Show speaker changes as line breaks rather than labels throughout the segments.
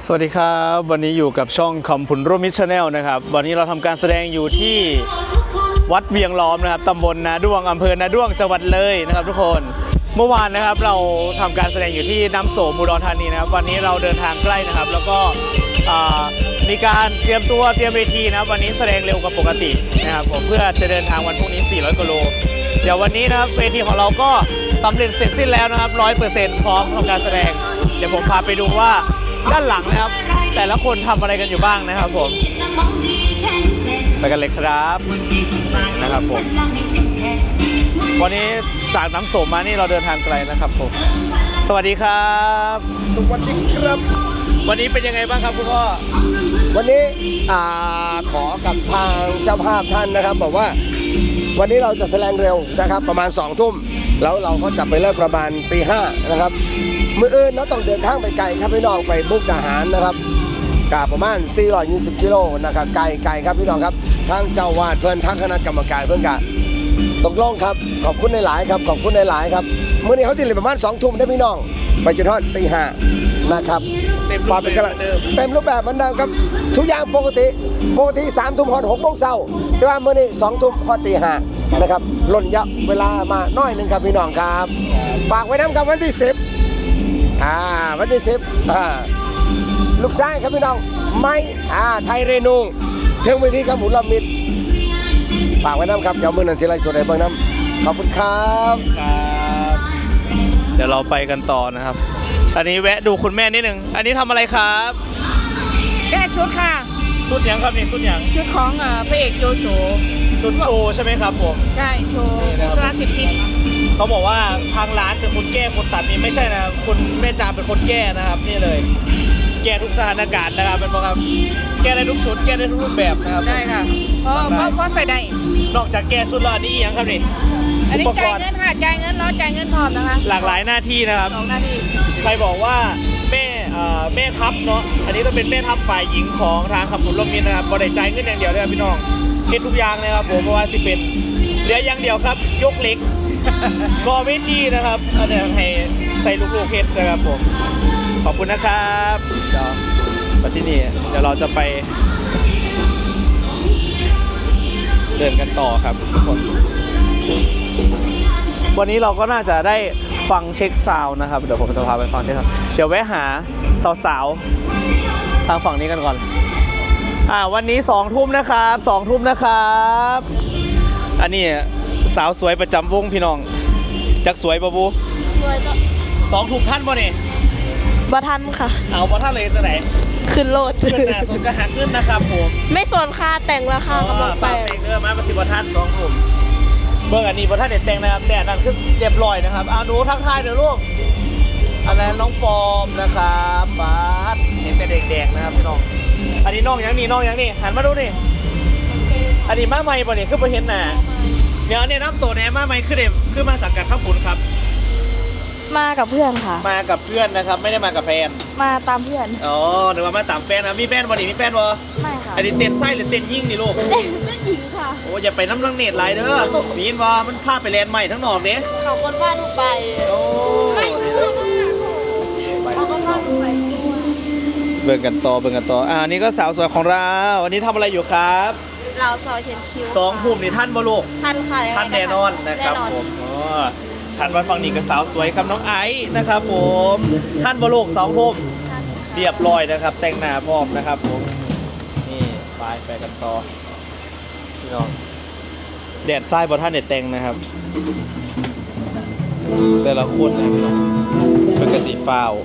สวัสดีครับวันนี้อยู่กับช่องคำผุนร่วมมิตรชาแนลนะครับวันนี้เราทำการแสดงอยู่ที่วัดเวียงล้อมนะครับตำบลนาด้วงอำเภอนาด้วงจังหวัดเลยนะครับทุกคนเมื่อวานนะครับเราทำการแสดงอยู่ที่น้ำโสมอุดรธานีนะครับวันนี้เราเดินทางใกล้นะครับแล้วก็มีการเตรียมเวทีนะครับวันนี้แสดงเร็วกว่าปกตินะครับผมเพื่อจะเดินทางวันพรุ่งนี้400กิโลเดี๋ยววันนี้นะครับเวทีของเราก็สำเร็จเสร็จสิ้นแล้วนะครับ 100% พร้อมทำการแสดงเดี๋ยวผมพาไปดูว่าด้านหลังนะครับแต่ละคนทำอะไรกันอยู่บ้างนะครับผมไปกันเลยครับนะครับผมวันนี้จากน้ำโสมมานี่เราเดินทางไกลนะครับผมสวัสดีครับสวัสดีครับวันนี้เป็นยังไงบ้างครับคุณพ่อ
วันนี้ขอกับทางเจ้าภาพท่านนะครับบอกว่าวันนี้เราจะแสดงเร็วนะครับประมาณ2 ทุ่มแล้วเราก็จะไปเลิกประมาณตี 5นะครับมื้ออื่นเราต้องเดินทางไปไกลครับพี่น้องไปมุกดาหารนะครับกาประมาณ420กิโลนะครับไกลครับพี่น้องครับทั้งเจ้าวาดเพื่อนทั้งคณะกรรมการเพื่อนกันตกลงครับขอบคุณหลายๆครับขอบคุณหลายๆครับมื้อนี้เขาจะเล่นประมาณ2 ทุ่มได้พี่น้องไปจนถึงตี 5นะครับเต็มรูปแบบเหมือนเดิมครับทุกอย่างปกติ3 ทุ่มฮอด6 โมงเช้าแต่ว่ามื้อนี้2 ทุ่มฮอดตี 5นะครับล่นยับเวลามาน้อยนึงครับพี่น้องครับฝากไว้น้ำครับวันที่10วันที่10ลูกชายครับพี่น้องไม่ไทยเรนูเที่ยงไปที่ครับหมุนลำมิดฝากไว้น้ำครับเดี๋ยวมื้อนั้นสิไล่สดให้เบิ่งน้ำขอบคุณครับ
เดี๋ยวเราไปกันต่อนะครับอันนี้แวะดูคุณแม่นิดนึงอันนี้ทำอะไรครับ
แก้ชุดค่ะ
ชุดยังครับนี่ชุดยัง
ชุดของพระเอกโจโฉ
ชุดโชว์ใช่ไหมครับผม
ใช่โชว์สารสิบทิศ
เขาบอกว่าทางร้านเป็นคนแก้คนตัดนี่ไม่ใช่นะคุณแม่จาเป็นคนแก้นะครับนี่เลยแก้ทุกสถานการณ์นะครับเป็นเพราะครับแก้ได้ทุกชุดแก้ได้ทุกรูปแบบนะครับ
ได้ค่ะเพราะใส่ได้
นอกจากแก้ชุดแล้วอันนี้ยังครับนี่
อันนี้จ่ายเงินค่ะจ่ายเงินแล้วจ่ายเงินพร้อมนะคะ
หลากหลายหน้าที่นะครับ
2 หน้าที่
ใครบอกว่าแม่ทัพเนาะอันนี้ต้องเป็นแม่ทัพฝ่ายหญิงของทางขับผุนร่มมิตรนะครับบริจาคเงินอย่างเดียวเลยครับพี่น้องเฮ็ดทุกอย่างนะครับผมเพราะว่าสิเป็นเหลืออย่างเดียวครับยกเล็กกอเวทีนะครับอันนี้ให้ใส่ลูกๆเฮ็ดนะครับผมขอบคุณนะครับเดี๋ยวมาที่นี่เดี๋ยวเราจะไปเดินกันต่อครับทุกคนวันนี้เราก็น่าจะได้ฟังเช็คซาวน์นะครับเดี๋ยวผมจะพาไปฟังเช็คซาวน์เดี๋ยวแวะหาสาวๆทางฝั่งนี้กันก่อนวันนี้2 ทุ่มนะครับ2 ทุ่มนะครับอันนี้สาวสวยประจำวงพี่น้องจักสวยปะบูสวยก็2 ทุ่มท่านบ่เนี่ย
บ่ทันค่ะ
เอาบ่ท่านเลยจะไหน
ขึ้นโลด
ขึ้นหน้าสนกระหักขึ้นนะครับผม
ไม่สนค่าแต่งราคากำลังไป
แต่งเนื้อมาประสิทธิ์บ่ท่าน2 ทุ่มเบิ่งอันนี้บ่ท่านเด็ดแต่งนะครับแต่นั่นคือเรียบร้อยนะครับเอาหนูทักทายเดี๋ยวลูกอันนั้นน้องฟอร์มนะครับบาสเห็นแต่เด็กๆนะครับพี่น้องอันนี้น้องยังนี่หันมาดูนี่อันนี้มาใหม่ป่ะเนี่ยคือไปเห็นหน้าเดี๋ยวเนี่ยน้ำตัวแหนมาใหม่คือมาสังกัดข้าวผุนครับ
มากับเพื่อนค่ะ
มากับเพื่อนนะครับไม่ได้มากับแฟน
มาตามเพื่อน
อ๋อหรือว่ามาตามแฟนนะมีแฟนบ่นี่มีแฟนบ่
ไม่ค่ะ
อันนี้เต้นไส้หรือเต้นยิ่งนี่ลูก
เต้นหญิงค่ะ
โอ้อย่าไปน้ำลังเน็ตไรเด้อมีนบ่มันพาไปแลนด์ใหม่ทั้งนอกเด้
เขาคนว่าทุกไป
โอ้
เขาคนว่าทุกไป
เบิ่งกันต่ออันนี้ก็สาวสวยของเราวันนี้ทำอะไรอยู่ครับ
เราซอยเขียนคิว
2 ทุ่มนี่ท่านบ่ลูก
ท่านค่ะ
ท่านแน่นอนนะครับผมท่านวันฟังนี่ก็สาวสวยครับน้องไอซ์นะครับผมท่านบ่ลูก2 ทุ่มเรียบร้อยนะครับแต่งหน้าพร้อมนะครับผมนี่ไปกันต่อพี่น้องแดดทรายบ่ท่านเด็ดแต่งนะครับแต่ละคนนะพี่น้องเป็นกระสีฟ้าว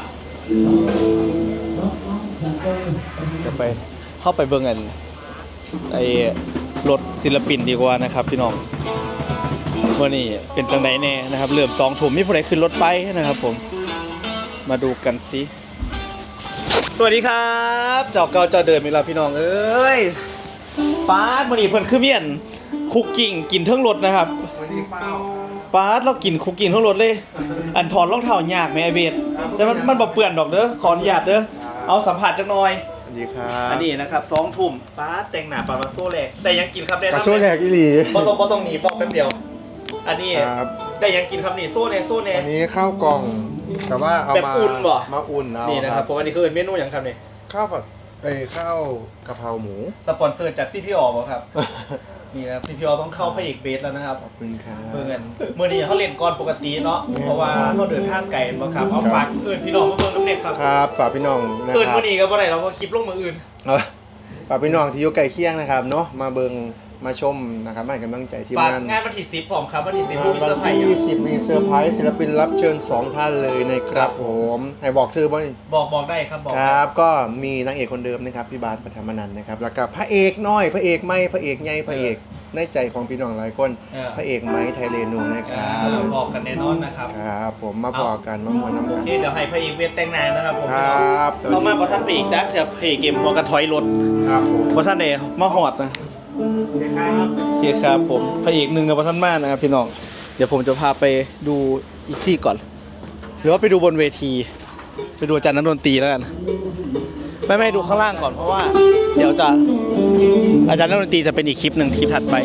จะไปเข้าไปเบิ่งกันไอ้รถศิลปินดีกว่านะครับพี่น้องวันนี้เป็นจังไดแน่นะครับเริ่ม2 ทุ่มมีผู้ใดขึ้นรถไปนะครับผมมาดูกันสิสวัสดีครับเจ้าเก่าเจ้าเดิมอีกแล้วพี่น้องเอ้ยป้าดวันนี้เพิ่นคือเมียนคุกกิ้งกินทั้งรถนะครับวันนี้ฟ้าวป้าดเรากินคุกกิ้งทั้งรถเลยอันถอดรองเท้ายากไหมไอเบสแต่มันบ่เปื้อนดอกเด้อขออนุญาตเด้อเอาสัมผัสจักหน่อย
ดีครับ
อันนี้นะครับ2 ทุ่มป้าแต่งหน้าปลาโซ่แหลกแต่ยังกินครับได้
ปลาโซ่แหลกอีหลี
บ่ต้องหนีบอกแป๊บเดียวอันนี้ได้ยังกินครับนี่โซ่เน่
อันนี้ข้าวกล่อง
แต่ว่าเอา
แบบ
มา
อุ่นบ่
มาอุ่นเอา
นี่นะครับผมอันนี้คือเมนูอย่างครับนี่
ข้าวผัดข้าวกะเพราหมู
สปอนเซอร์จาก CPO บ่ครับ นี่นะครับ CPO ต้องเข้าพระเอกเบสแล้วนะครับ
ขอบคุณครับ
เบิ่งกันเมื่อนี้เขาเล่นก่อนปกติเนาะเพราะว่าเขาเดินทางไกลบ่ครับเอาฝากเอิ้นพี่น้องมาเบิ่งน้ำเน็กครับ
ครับฝากพี่น้องนะ
เอิ้น
ครับ
มื้อนี้ก็บ่ได้เราก็คลิปลงมื้ออื่น
ฝากพี่น้องที่อยู่ใกล้เคียงนะครับเนาะมาเบิ่งมาชมนะครับมาให้กำลังใจที่
ฝาก
งาน
งานวันที่10พร้อมครับวันที่10มีเซอร์ไพรส์
วันที่10มีเซอร์ไพรส์ศิลปินรับเชิญ2ท่านเลยนะครับผมให้บอกชื่อบ่นี่
บอกได้ครับบอก
ครับก็มีนางเอกคนเดิมนะครับพี่บาสปฐมนันท์นะครับแล้วก็พระเอกน้อยพระเอกไม่พระเอกใหญ่พระเอกในใจของพี่น้องหลายคนพระเอกไม้ไทยเรนูนะครับ
บอกกันแน่นอนนะครับ
ครับผมมาบอกกันมามวนน้ำ
โอ
กัน
เคเดี๋ยวให้พระเอกเวทแต่งหน้านะครับผม
ครับสวัส
เรา
ดี
มาบ่ทันพระเอกจักเถอะพระเอกเกมหัวกระถอยรถ
ครับผม
บ่ทันได้มาฮอดนะ
ครับ
โอเคครับผมพระเอกหนึ่งกับบ่ทันมานะครับพี่น้องเดี๋ยวผมจะพาไปดูอีกที่ก่อน หรือว่าไปดูบนเวที ไปดูอาจารย์นักดนตรีแล้วกันไม่ดูข้างล่างก่อนเพราะว่า เดี๋ยวจะอาจารย์นักดนตรีจะเป็นอีกคลิปหนึ่งคลิปถัดไป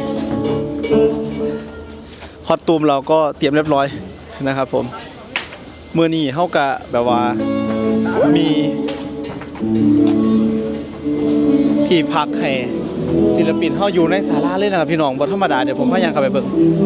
คอสตูมเราก็เตรียมเรียบร้อยนะครับผมเมื่อนี้เฮากะแบบว่ามีที่พักให้ศิลปินเฮาอยู่ในศาลาเลยนะครับพี่น้องบ่ธรรมดาเดี๋ยวผมพายังเข้าไปเบิ่ง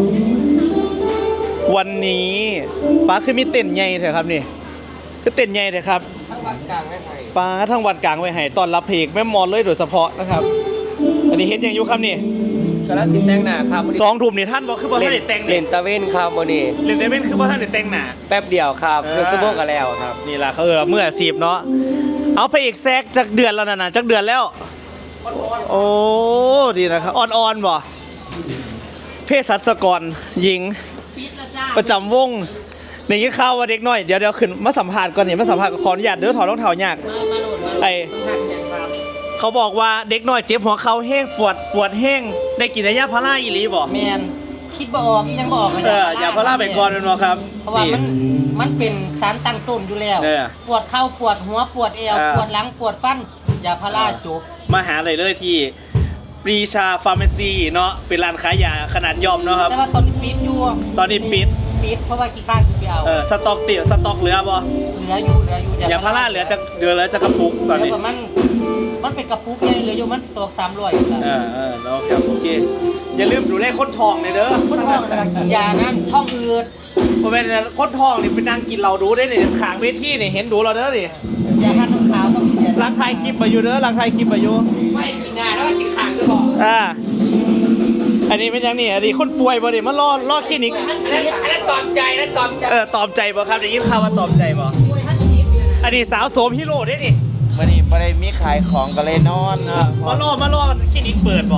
วันนี้ป้าคือมีเต้นใหญ่แท้ครับนี่คือเต้นใหญ่แท้ครับป้าทั้งวัดกลางไว้ให้ต้อนรับเพลงแม่มอนเลยโดยเฉพาะนะครับ อันนี้เฮ็ดหยังอยู่ครับนี่
กระสินแต่งหน้าครับ
2 ทุ่มนี่ท่านบ่คือบ่ทันได้แต่ง
เล่
นี่
นตะเวนครับวันนี้
เล่นแต่เป็นคือบ่ทันได้แต่งหน้า
แป๊บเดียวครับ
เออ
คือสมองกันแล้วครับ
นี่ล่ะเขาเมื่ออาชีพเนาะเอาพระเอกแซกจากเดือนแล้วน่ะจากเดือนแล้วโอ้ดีนะครับอ่อนๆบ่เภสัชกรหญิงประจำวงในยี่ข่าวว่าเด็กน้อยเดี๋ยวขึ้นมาสัมภาษณ์ก่อนนี่มาสัมภาษณ์ขออนุญาตเด้อถอดรองเท้ายากไอเขาบอกว่าเด็กน้อยเจ็บหัวเข่าแห้งปวดแห้งได้กินยาพาราอีหลีบ่
แมนคิดบ่ออกอีหยังบ่ออกอะ
ยาพาราไปก่อนเป็นบ่ครับ
เพราะว่ามันเป็นสารตั้งต้นอยู่แล้ว
เออ
ปวดเข่าปวดหัวปวดเอว
เออ
ปวดหลังปวดฟันยาพาราจบ
มาหาเลยที่ปรีชาฟาร์มาซีเนาะเป็นร้านขายยาขนาดย่อมเนาะครับ
แต่ว่าตอนนี้ปิดอยู่
ตอนนี้ปิด
เพราะว่าขี้ข้านไปเอา
สต็อกเหลือบ่
เหลืออยู่
ยาพาราเหลือจะกระปุกตอนนี้
แล้วก็มันเป็นกระปุกใหญ่เหลืออยู่มันตก300อยู่แล้ว
แล้วครับโอเคอย่าลืมดูแลคนทองเลยเด้อ
คนท้องนะครับกินยานั้นท้องอืด
บ่แม่นคนทองนี่ไปนั่งกินเหล้าดูได้นี่ข้างเวทีนี่เห็นดูเราเด้อนี่
ยาหันน้ำขาวต้องกินยา
รักถ่ายคลิปมาอยู่เด้อรักถ่ายคลิปมาอยู่
ไม่กินหน้าแล้วก็กินขางก็บอก
อันนี้เป็นยังนี่อันนี้คนป่วยบ่นี่มารอคลินิก
อันนั้นตอมใจแล้วตอมใจ
ตอบใจบ่ครับได้ยินข่าวว่าตอบใจบ่อันนี้สาวโสมฮีโร่เด้นี่
วันนี้ไม่ได้มีขายของก็เลยนอน
มารอคลินิกเปิดบ่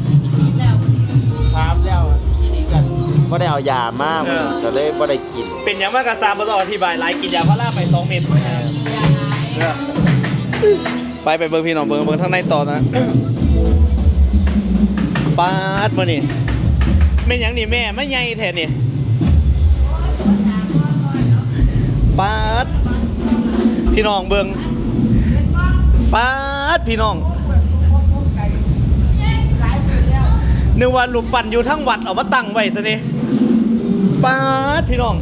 ถามแล้วที่นี่กันก็ได้เอายามาก
เออ
ก็เลยไม่ได้กิน
เป็นหยังมากกะซามบ่ต้องอธิบายหลายกินยาพาราไป2 เม็ดไปเบิ่งพี่น้องเบิ่งทางในต่อนะปาดมื้อนี่แม่นหยังนี่แม่มาใหญ่แท้นี่ปาดพี่น้องเบิ่งปาดพี่น้องนึกว่ารูปปั้นอยู่ทั้งวัดเอามาตั้งไว้ซะนี่ปาดพี่น้อง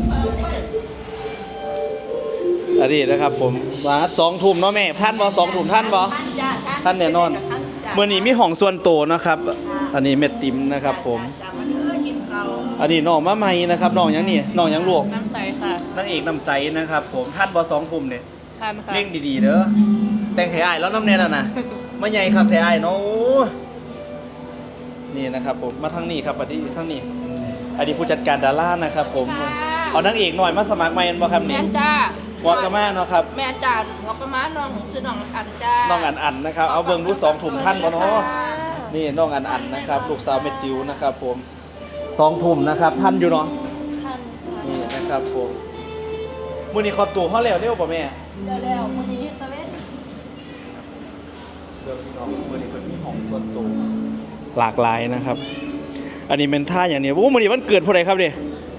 อันนี้นะครับผมมา2 ทุ่มเนาะแม่ท่านบ่2 ทุ่มท่านบ่ท่านแน่นอนมื้อนี้มีห้องส่วนโตวนะครับ อันนี้เม็ดติ๋มนะครับผมอันนี้น้องมาใหม่นะครับน้องหยังนี่น้องหยังลูก
น้ำใสค่ะ
นางเอกน้ำใสนะครับผมท่านบ่2 ทุ่มเนี่ย
ทานค่ะ
เร่งดีๆเด้อแต่งให้อ้ายแล้วน้ำแน่น่ะนะมาใหญ่ครับให้อ้ายเนาะโอ้นี่นะครับผมมาทางนี้ครับมาที่ทางนี้อันนี้ผู้จัดการดารานะครับผมเอานางเอกหน่อยมาสมัครใหม่บ่ครับ
แม่
นี่
นจ้า
หัวกะมาเนาะครับ
แม่นจ้าหัวกะม้าน้องซื้อน้องอันจ้า
น้องอันนะครับเอาเบิ่งดู2 ทุ่มท่านบ่เนาะนี่น้องอันนะครับลูกสาวเมติวนะครับผม2 ทุ่มนะครับท่านอยู่เนาะ
ท่านค่ะ
นี่นะครับผมมื้อนี้ขอตัวเฮาแล้วเร็วป่ะแม่
เดี๋ยวแล้วมื้อนี้ตะเวน
เดี๋ยวพี่น้องมื้อนี้เพิ่นมีห้องส่วนตัวหลากหลายนะครับ อันนี้เป็นท่าอย่างนี้โอ้มื้อนี้วันเกิดผู้ใดครับเด้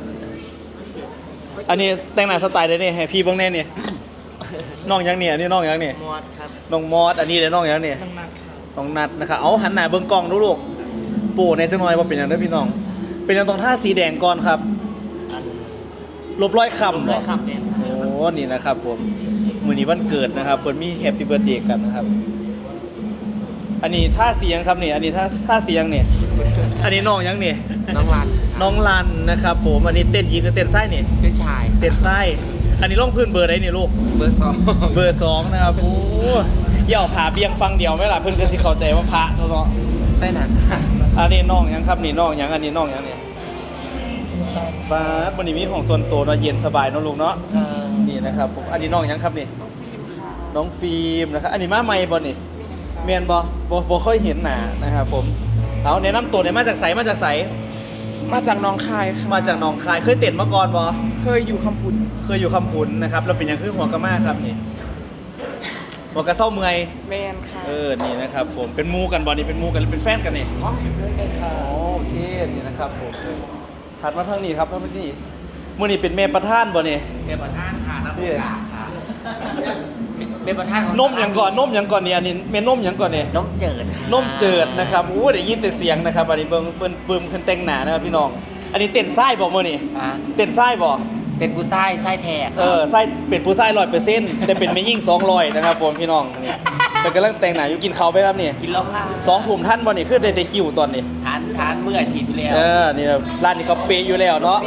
อันนี้แต่งหน้าสไตล์ได้นี่ให้พี่เบิ่งแน่นี่น้องหยังนี่อันนี้น้องหยังนี่
มอดครับ
น้องมอสอันนี้เด้น้องหยังนี่น้องนัดนะครับเอาหันหน้าเบิ่งกล้องดูลูกปู่ในจังหน่อยบ่เป็นหยังเด้อพี่น้อง เป็นหยังต้องท่าสีแดงก่อนครับลบรอยคำบ่
เลยครับเนี่ย
โอ้นี่นะครับผมมื้อนี้วันเกิดนะครับเพิ่นมีแฮปปี้เบิร์ธเดย์กันนะครับอันนี้ท่าเสียงครับนี่อันนี้ท่าเสียงเนี่ยอันนี้น้องยังนี่
น้องรัน
น้องลันนะครับผมอันนี้เต้นหญิงกับเต้นไส้นี่
เป็นชาย
เต้นไส้อันนี้ลงพื้นเบอร์ไหนนี่ลูก
เบอร์ 2
เบอร์2นะครับโอ้อย่าเอาผาเบียงฟังเดียวไหมล่ะเพิ่นก็สิเข้าใจว่าพระเนาะ
ไส้หนัก
อันนี้น้องยังครับนี่น้องยังอันนี้น้องยังเนี่ยฟ้าวันนี้มีของส่วนตัวเนาะเย็นสบายเนาะลูกเนาะนี่นะครับผมอันนี้น้องยังครับนี่น้องฟิล์มนะครับอันนี้มาใหม่บ่นี่เมียนบ่ค่อยเห็นหน้านะครับผมเอาแนะนำตัวเนี่ยมาจากไสมาจากไส
มาจากหน้องคายค่ะ
มาจากหนองคายเคยเต้นมาก่อนบ่
เคยอยู่คำพุน
เคยอยู่คำพุนนะครับแล้วเป็นยังคือหัวกะม่าครับนี่หัวกะเศร้าเมื่อย
แมนค่ะ
นี่นะครับผมเป็นมูกันบ่นี่เป็นมูกันหรือเป็นแฟนกันนี่
อ๋อเพื่อนกันค่ะ
โอเคนี่นะครับผมถัดมาทางนี้ครับทางนี้มื้อนี้เป็นแม่ประธานบ่นี่
เป็นประธานค่ะน้ำ
พี่
กาค่ะเป็นประธานของ
นมหยังก่อนนี่อันนี้แม่นมหยังก่อนนี่
นมเจิดค่ะ
นมเจิดนะครับโอ้ได้ยินแต่เสียงนะครับอันนี้เบิ่งเพิ่นแต่งหน้านะครับพี่น้องอันนี้เต้นไส้บ่มื้อนี้
อ่ะ
เต้นไส้บ่
เป็นผู้ไส้ไส้แท้
ไส้เป็นผู้ไส้100%แต่เป็นแม่ยิ่ง200นะครับผมพี่น้องนี่เพิ่นกำลังแต่งหน้าอยู่กินข้าวไปครับนี่
กินแล้วค่ะ
2 ทุ่มท่านบ่นี่คือได้แต่คิวตอนนี้
ทานเมื่ออาชีพไปแล้ว
นี่นะร้านนี้เขาเปย์อยู่แล้วเนาะ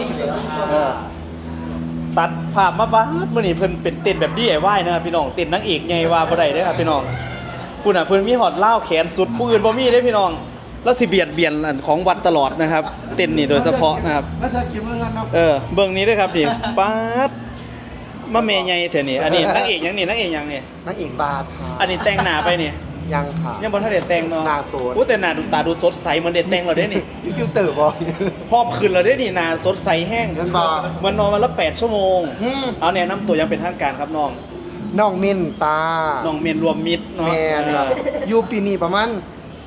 ตัดภาพมาบ้าดมื้อนี้เพิ่นเป็นเต้นแบบ DIY นะครับพี่น้องเต้นนางเอกใหญ่ว่าบ่ได้เด้อครับพี่น้องผู้น่ะเพิ่นมีฮอดล่าวแขนสุดผู้อื่นบ่มีเด้อพี่น้องแล้วสิเบียดอันของวัดตลอดนะครับ เต้นนี่โดยเฉพาะนะครับ
แล้วเธอกินมื้อกันเนาะ
เบิ่งนี้ด้วยครับนี่ป๊าดมาเมใหญ่แท้นี่อันนี้นางเอกหยังนี่นางเอกหยังนี่
นางเอกบาทค่ะ
อันนี้แต่งหน้าไปนี่
ยังค่ะ
ยังบ่ทันได้แต่งเนาะ
หน้าสด
อู้แต่หน้าดูตาดูสดใสเหมือนได้แต่งแล้วเด้นี่
ยูฟิลเตอร์บอ
พอบขึ้นแล้วได้นี่นาสดใสแห้ง
เงินบ่
มันนอนวันละ8 ชั่วโมง เอาแนะนำตัวอยังเป็นทางการครับน้อง
น้องมินตา
น้องเมียนรวมมิตรเนาะ
แมนครับ
เออ
อยู่ปีนี้ประมาณ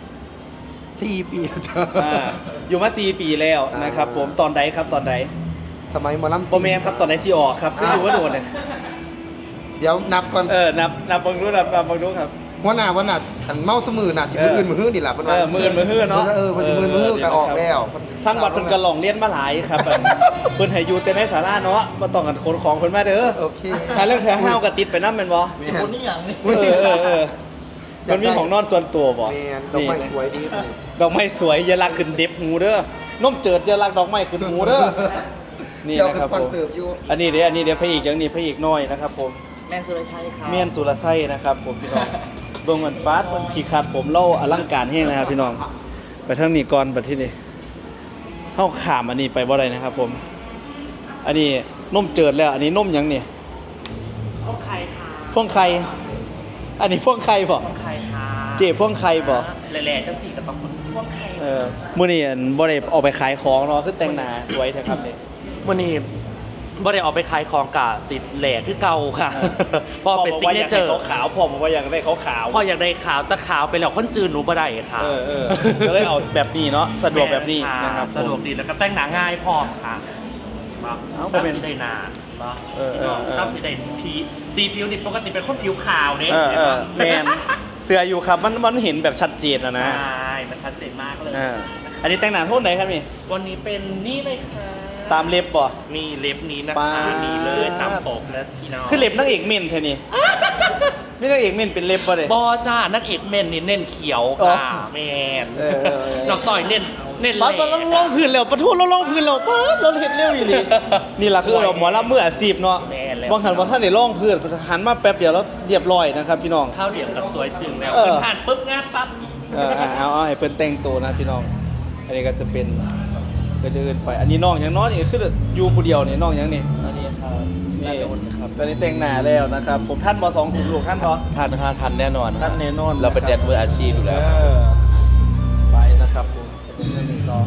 4 ปีเธอ
อยู่มา 4 ปีแล้วนะครับผมตอนใดครับตอนใด
สมัยหมอลำ
โปรแมนครับตอนไหนสิออกครับคืออยู่ว่าโดนเลย
เดี๋ยวนับก่อน
นับบังรู้นับบังรู้ครับ
วันหน้าอันเมาสมือน่ะสิมื้ออื่นมื้อฮื้อนี่แหละเพิ่นว่า
มื้ออื่นมื้อฮื้อเนาะ
มันสิมื้อฮื้อก็ออกแล้ว
ทางวัดเพิ่นก็ลองเรียนมาหลายครับอันเพิ่นให้อยู่แต่ในศาลาเนาะบ่ต้องกันขนของเพิ่นมาเด้อ
โอเค
ถ้าเรื่องเธอห้าวก็ติดไปนำแม่นบ่
แม่น
คนนี้อย่างนี้
มันมีของนอนส่วนตัวบ่
แมนดอกไม้สวยดี
ดอกไม้สวยอย่าลักขึ้นเด็บหูเด้อน้มเจิดอย่าลักดอกไม้ขึ้นหูเด้อนี่
เที่ยว
นะ
คื
ครั
อบ ฟั
ผ
ง
ม
เสิร์ฟอยู่
อันนี้เดี๋ยวพระเอกอย่างนี้พระเอกน้อยนะครับผม
แมนสุรชัยค่ะ
เมียนสุรไส้นะครับผมพี่น้องเบิ่งมันปาดมันขี่ขาดผมเล่าอลังการแห้งนะครับพี่น้องไปทางนี้ก่อนไปที่นี่เฮาข้ามอันนี้ไปบ่ได้นะครับผม อันนี้นมเจิดแล้ว อันนี้นมหยังนี่
พวกใครค่ะ
พ่วงไข่อันนี้พ่วงไข่บ่
พวกใครค่ะ
เจ๊พ่วงไข่บ่
แหล่ๆจังสี่กับพวกใคร
มื้อนี้อันบ่ได้ออกไปขายของเนาะคือแต่งหน้าสวยแท้ครับนี่
วันนี้บ่ได้ออกไปขายของกะสิแหล่คือเก่าค่ะเพอเป็นซิกเนเจอร์
ขาวพ่อบอกว่าอยากได้ขาว
พออยากได้ขาวแต่ขาวไปแล้วคนจืดหนูบ่ได้ค่ะ
ก็เลยเอาแบบนี้เนาะสะดวกแบบนี้นะครับ
สะดวกดีแล้วก็แต่งหน้าง่ายพร้อมค่ะมา
เอาไป
ซ้ำ
เป็น
สีได้หนาเนาะ
เออ
ซ้ำสีได้สีผิวนี่ปกติเป็นคนผิวขาวเนี่ย
แมนเสืออยู่ครับมันเห็นแบบชัดเจนนะ
ใช่มันชัดเจนมากเลย
อันนี้แต่งหน้าโทษไหนครับนี่
วันนี้เป็นนี่เลยค่ะ
ตามเล็บบ่
นี่เล็บนี้นะ
ป๊า
คะ
ด
นี่เลยตามปกนะพี่น้อง
คือเล็บนางเอกเม่นแท้นี่ไม่นางเอกเม่นเป็นเล็บบ่เด้
บอจ้านักเอกเมนนี่เน้นเขียว
อ๋อ
ค่ะแมน
เออ
น้องต่อยเน้นแห
ปั๊
ล่
บเราลงพื้นแล้วปะทุเราลงพื้นแล้วปั๊บเราเห็นเร็วอีหลีนี่ล่ะคือเราหมอลำมืออาชีพเนาะบางหันว่าท่านได้ลงพื้นหันมาแป๊บเดียวแล้วเรียบร้อยนะครับพี่น้อง
ข้าวเดียวกับสวยจึงแล้ว
เออ
ขึ้นผ่านปุ๊บงานปั๊บ
เอาให้เพิ่นแต่งตัวนะพี่น้อง อันนี้ก็จะเป็นเดินไป อันนี้น้องอย่างน้อยนี่คืออยู่ผู้เดียวนี่น้องอย่างนี่
อันนี้ครับ
นี่ตอนนี้แต่งหน้าแล้วนะครับ ผมท่านบ่2ถุงลูกท่านบ่
ทันแน่นอน
ท่านแน่นอน
เราเป็นแดนมืออาชีพอยู่แล้ว
ไปนะครับผมเป็นเรื่องหนึ่งต่อ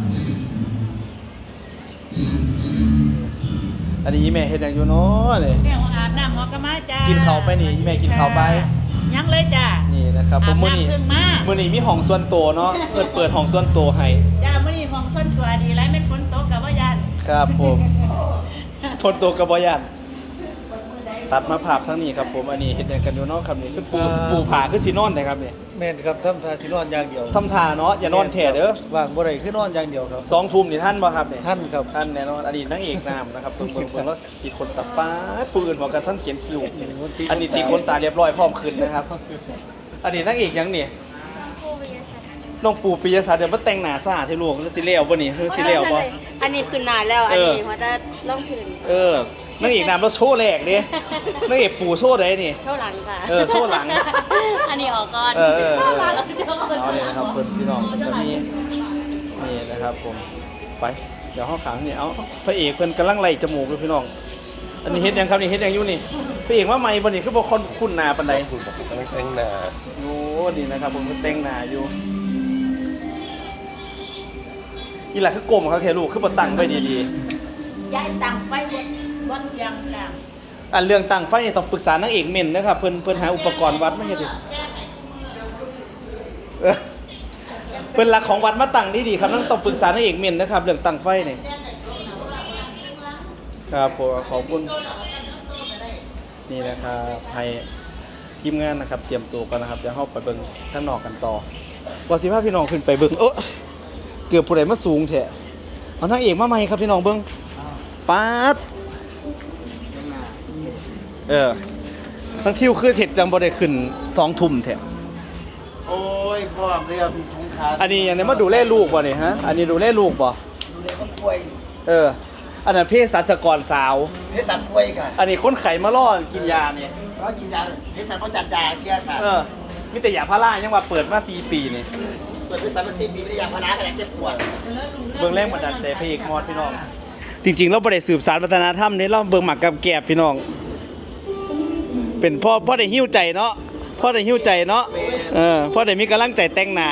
อันนี้อีแม่เฮ็ดหยังอยู่เนาะนี่
แม่ของอาบน้ำหัวกะมาจ้า
กิ
กิ
นข้าวไปนี่อีแม่กินข้าวไป
ยังเลยจ้า
นี่นะครับผมมื้อนี้
อาบน้ำเพิ่งมา
มื้อนี้มีห้องส่วนตัวเนาะเปิดห้องส่วนตัวให้
จ้ามื้อนี้ของส้นตัวดีไรแม่นฝนตกกับว่ายัน
ครับผมฝนตกกับบอยันตัดมาภาพทั้งนี้ครับผมอันนี้เห็นกันอยู่เนาะครับนี่คือปูผาคือสีนอนนะครับนี่
แม่นครับทำทาที่นอนอย่างเดียว
ทำทาเนาะอย่านอนแถ่เด้อ
ว่างบ่ได้คือนอนอย่างเดียวครับ
2 ทุ่มนี่ท่านบ่ครับนี่
ท่านครับ
ท่านแน่นอนอดีตนางเอกนามนะครับเบิ่งแล้วติดคนตัดป้าดปืนบอกกันท่านเขียนคิวอันนี้ตีคนตาเรียบร้อยพร้อมขึ้นนะครับอดีตนางเอกยังนี่น้องปู่ปิยศักดิ์เดี๋ยวมาแต่งหน้าซ่าที่ลูกสิแล้วบ่นี่คือสิแล้วบ่
อันนี้คือนานแล้ว อันนี้มันจะล่องพื้น
นางเอกนามแล้วโชว์แรกดินางเอกปู่โชว์ได้นี่
โชว์หลังค่ะ
โชว์หลัง
อันนี้ออกก่อน
โชว์หลัง
เอา
เอาเลยนะครับเพิ่นพี่น้องจะมีนี่นะครับผมไปเดี๋ยวห้องขังนี่เอาพระเอกเพิ่นกำลังไล่จมูกเลยพี่น้องอันนี้เฮ็ดยังครับนี่เฮ็ดยังอยู่นี่พระเอกว่าใหม่บ่นี่คือบ่คนคุ้นหน้าปานใด
คุณบอกกำลังแต่งหน้า
โอ้นี่นะครับผมก็แต่งหน้าอยู่อีหล่ะคือกลมครับแค่ลูกคือบ่ตั้งไว้ดี
ย้ายตังไฟบนเตียงจ้ะ
ๆอันเรื่องตั้งไฟนี่ต้องปรึกษานางเอกเม่นนะครับเพิ่นหาอุปกรณ์วัดมาเฮ็ดดิเพิ่นหลักของวัดมาตั้งดีๆครับต้องปรึกษานางเอกเม่นนะครับเรื่องตั้งไฟนี่ครับผมขอบคุณนี่นะครับให้ทีมงานนะครับเตรียมตัวกันนะครับเดี๋ยวเฮาไปเบิ่งข้างนอกกันต่อว่าสิพาพี่น้องขึ้นไปเบิ่งเกือบผู้ใดมาสูงแท้เอานางเอกมาใหม่ครับพี่น้องเบิ่งป๊าดทั้งทิวคือเห็ดจังบ่ได้ขึ้น2 ทุ่มแท้
โอ้ยพ่อเรียกพี่ทุงขา
อันนี้อย่างนี้มาดูแลลูกบ่นี่ฮะอันนี้ดูแลลูกบ่
ดูแลคนป่วย
อันนั้นเภสัชกรสาว
เพชรสันป่วยค่ะ
อันนี้คนไข้มาล่อกินยานี่
เพราะกินยาเพชรสันเขาจัดยาเที่ยค่ะ
มีแต่ยาพารายังว่าเปิดมา4 ปีนี่
เปิดเพชรสันมา4 ปีไม่ได้ยาพาราขนาดเจ็บปวด
เบิ่งแรงบันดาลใจพระเอกมอดพี่น้องจริงๆเราบ่ได้สืบสานวัฒนธรรมนี่เราเบิ่งหมักกับแกบพี่น้อง เป็นพ่อได้หิ้วใจเนาะพ่อได้หิ้วใจเนาะพ่อได้มีกำลังใจแต่งหน้า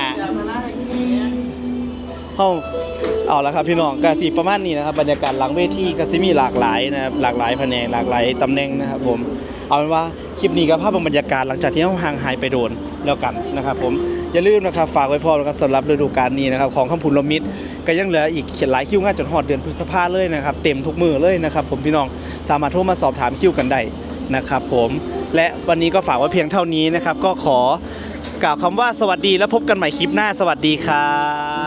เฮาเอาละครับพี่น้องก็สิประมาณนี้นะครับบรรยากาศหลังเวทีก็สิมีหลากหลายนะครับหลากหลายแผนกหลากหลายตำแหน่งนะครับผมเอาเป็นว่าคลิปนี้ก็ภาพบรรยากาศหลังจากที่เฮาห่างหายไปโดนแล้วกันนะครับผมอย่าลืมนะครับฝากไว้พอนะครับสำหรับฤดูกาลนี้นะครับของคำพูนลมิตรก็ยังเหลืออีกหลายคิวงานจนฮอดเดือนพฤษภาเลยนะครับเต็มทุกมือเลยนะครับผมพี่น้องสามารถโทรมาสอบถามคิวกันได้นะครับผมและวันนี้ก็ฝากไว้เพียงเท่านี้นะครับก็ขอกล่าวคำว่าสวัสดีแล้วพบกันใหม่คลิปหน้าสวัสดีครับ